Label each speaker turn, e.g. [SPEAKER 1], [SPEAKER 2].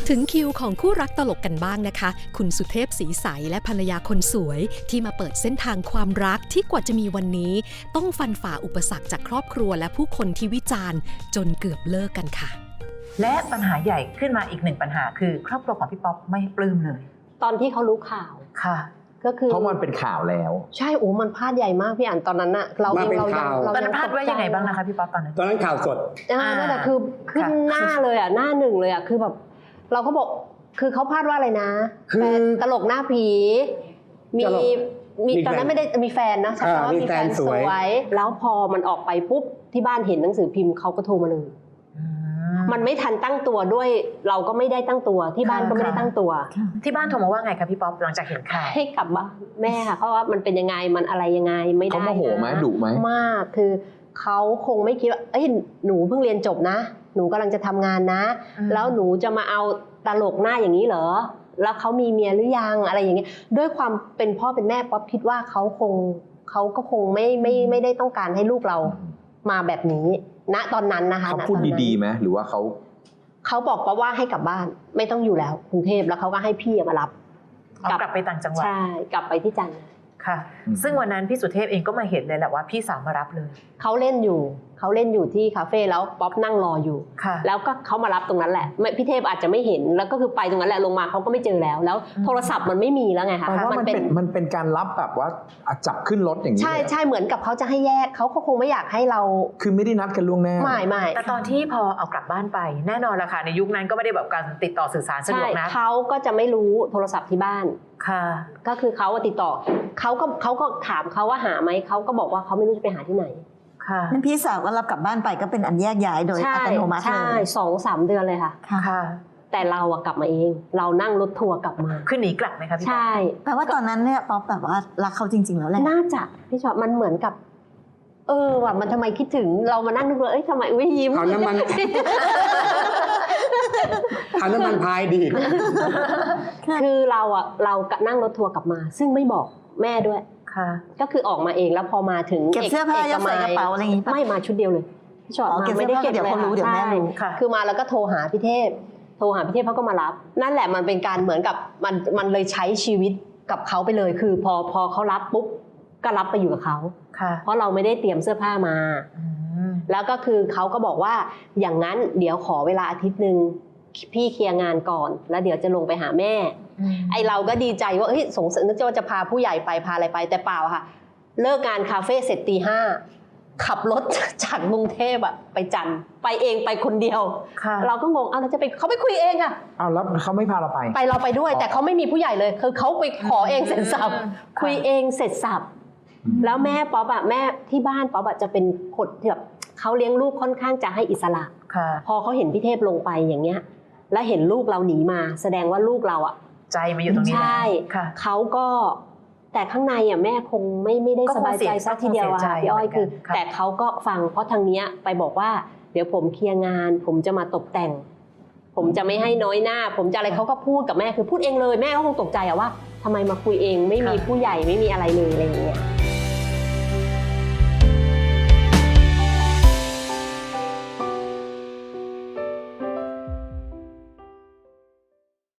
[SPEAKER 1] ถึงคิวของคู่รักตลกกันบ้างนะคะคุณสุเทพศรีใสและภรรยาคนสวยที่มาเปิดเส้นทางความรักที่กว่าจะมีวันนี้ต้องฟันฝ่าอุปสรรคจากครอบครัวและผู้คนที่วิจารณ์จนเกือบเลิกกันค่ะ
[SPEAKER 2] และปัญหาใหญ่ขึ้นมาอีกหนึ่งปัญหาคือครอบครัวของพี่ป๊อปไม่ปลื้มเลย
[SPEAKER 3] ตอนที่เขารู้ข่าว
[SPEAKER 2] ค่ะ
[SPEAKER 3] ก็คือ
[SPEAKER 4] เพราะมันเป็นข่าวแล้ว
[SPEAKER 3] ใช่มันพลาดใหญ่มากพี่อ่านตอนนั้นอะเราเองเรา
[SPEAKER 2] ตอนนั้นพลาดว่ายังไงบ้างนะคะพี่ป๊อปตอน
[SPEAKER 5] นั้นข่าวสด
[SPEAKER 3] นั่นแหละคือขึ้นหน้าเลยอะหน้าหนึ่งเลยอะคือแบบเราก็บอกคือเขาพลาดว่าอะไรนะคือตลกหน้าผีมีตอนนั้นไม่ได้มีแฟนนะใช่ไหมว่ามีแฟนสวยแล้วพอมันออกไปปุ๊บที่บ้านเห็นหนังสือพิมพ์เขาก็โทรมาเลยมันไม่ทันตั้งตัวด้วยเราก็ไม่ได้ตั้งตัวที่บ้านก็ไม่ได้ตั้งตัว
[SPEAKER 2] ที่บ้านโทรมาว่าไงคะพี่ป๊อปหลังจากเห็นข่าว
[SPEAKER 3] ให้กลับบ้านแม่ค่ะเพราะว่ามันเป็นยังไงมันอะไรยังไงไม่ได้
[SPEAKER 4] เขาโมโหไหมดุไหม
[SPEAKER 3] มากคือเขาคงไม่คิดว่าหนูเพิ่งเรียนจบนะหนูกำลังจะทำงานนะแล้วหนูจะมาเอาตลกหน้าอย่างนี้เหรอแล้วเขามีเมียหรือยังอะไรอย่างเงี้ยด้วยความเป็นพ่อเป็นแม่ป๊อปคิดว่าเขาก็คงไม่ได้ต้องการให้ลูกเรามาแบบนี้ณตอนนั้นนะคะ
[SPEAKER 4] เขาพูดดีๆไหมหรือว่า
[SPEAKER 3] เขาบอกป๊อปว่าให้กลับบ้านไม่ต้องอยู่แล้วกรุงเทพแล้วเขาก็ให้พี่มารับ
[SPEAKER 2] กลับไปต่างจังหวัด
[SPEAKER 3] ใช่กลับไปที่จันทร์
[SPEAKER 2] ค่ะซึ่งวันนั้นพี่สุเทพเองก็มาเห็นเลยแหละว่าพี่สาวมารับเลย
[SPEAKER 3] เขาเล่นอยู่ที่คาเฟ่แล้วป๊อปนั่งรออยู่แล้วก็เขามารับตรงนั้นแหละพี่เทพอาจจะไม่เห็นแล้วก็คือไปตรงนั้นแหละลงมาเขาก็ไม่เจอแล้วโทรศัพท์มันไม่มีแล้วไงคะ
[SPEAKER 4] มันเป็นการรับแบบว่าจับขึ้นรถอย่างนี้
[SPEAKER 3] ใช่เหมือนกับเขาจะให้แยกเขาคงไม่อยากให้เรา
[SPEAKER 4] คือไม่ได้นัดกันล่วงหน้า
[SPEAKER 3] ไม่
[SPEAKER 2] แต่ตอนที่พอเอากลับบ้านไปแน่นอนละค่ะในยุคนั้นก็ไม่ได้แบบการติดต่อสื่อสารสะดวกนะ
[SPEAKER 3] เขาก็จะไม่รู้โทรศัพท์ที่บ้าน
[SPEAKER 2] ค่ะ
[SPEAKER 3] ก็คือเขาติดต่อเขาก็ถามเขาว่าหาไหมเขาก็บอกว่าเขาไม่รู้จะไปหาที่ไหน
[SPEAKER 2] ค่ะ
[SPEAKER 6] นั่นพี่สาวก็รับกลับบ้านไปก็เป็นอันแยกย้ายโดยอัตโนมัติเลย
[SPEAKER 3] ใช่2-3 เดือนเลยค่ะ
[SPEAKER 2] ค่ะ
[SPEAKER 3] แต่เราอะกลับมาเองเรานั่งรถทัวร์กลับมา
[SPEAKER 2] คือหนีกลับไหมคะพี่
[SPEAKER 3] ใช่
[SPEAKER 6] แปลว่าตอนนั้นเนี่ยป๊อปแบบว่ารักเขาจริงๆแล้วแหละ
[SPEAKER 3] น่าจะพี่ชอบมันเหมือนกับว่ะมันทำไมคิดถึงเรามานั่งนึกเลยทำไมไม่ยิ้ม
[SPEAKER 5] เอาน้ำมันพายดี
[SPEAKER 3] คือเรานั่งรถทัวร์กลับมาซึ่งไม่บอกแม่ด้วยก็คือออกมาเองแล้วพอมาถึง
[SPEAKER 6] เก็บเสื้อผ้ายัดใส่กระเป๋าอะไรอย่างงี้
[SPEAKER 3] ไม่มาชุดเดียวเลยพี่ชอบมาไม่ได้เก็บ
[SPEAKER 6] เดี๋ยวเขารู้เดี๋ยวแม่รู้
[SPEAKER 3] คือมาแล้วก็โทรหาพี่เทพเขาก็มารับนั่นแหละมันเป็นการเหมือนกับมันเลยใช้ชีวิตกับเขาไปเลยคือพอเขารับปุ๊บก็รับไปอยู่กับเขาเพราะเราไม่ได้เตรียมเสื้อผ้ามาแล้วก็คือเขาก็บอกว่าอย่างนั้นเดี๋ยวขอเวลาอาทิตย์นึงพี่เคลียร์งานก่อนแล้วเดี๋ยวจะลงไปหาแม่ไอเราก็ดีใจว่าสงสัยนึกว่าจะพาผู้ใหญ่ไปพาอะไรไปแต่เปล่าค่ะเลิกงานคาเฟ่เสร็จตี 5ขับรถจากกรุงเทพไปจันทร์ไปเองไปคนเดียวเราก็งงเราจะไปเขาไปคุยเองอะ
[SPEAKER 4] แล้วเขาไม่พาเราไป
[SPEAKER 3] เราไปด้วยแต่เขาไม่มีผู้ใหญ่เลยคือเขาไปขอเองเสร็จสับคุยเองเสร็จสับแล้วแม่ป๊อปแม่ที่บ้านป๊อปจะเป็นคนที่แบบเขาเลี้ยงลูกค่อนข้างจะให้อิสระพอเขาเห็นพี่เทพลงไปอย่างเงี้ยแล้วเห็นลูกเราหนีมาแสดงว่าลูกเรา
[SPEAKER 2] ใจมาอยู่ตรงนี้
[SPEAKER 3] ใช่เขาก็แต่ข้างในแม่คงไม่ได้สบายใจซะทีเดียวพี่อ้อยคือแต่เขาก็ฟังเพราะทางนี้ไปบอกว่าเดี๋ยวผมเคลียร์งานผมจะมาตกแต่งผมจะไม่ให้น้อยหน้าผมจะอะไรเขาก็พูดกับแม่คือพูดเองเลยแม่ก็คงตกใจว่าทำไมมาคุยเองไม่มีผู้ใหญ่ไม่มีอะไรเลยอะไรอย่างเงี้ย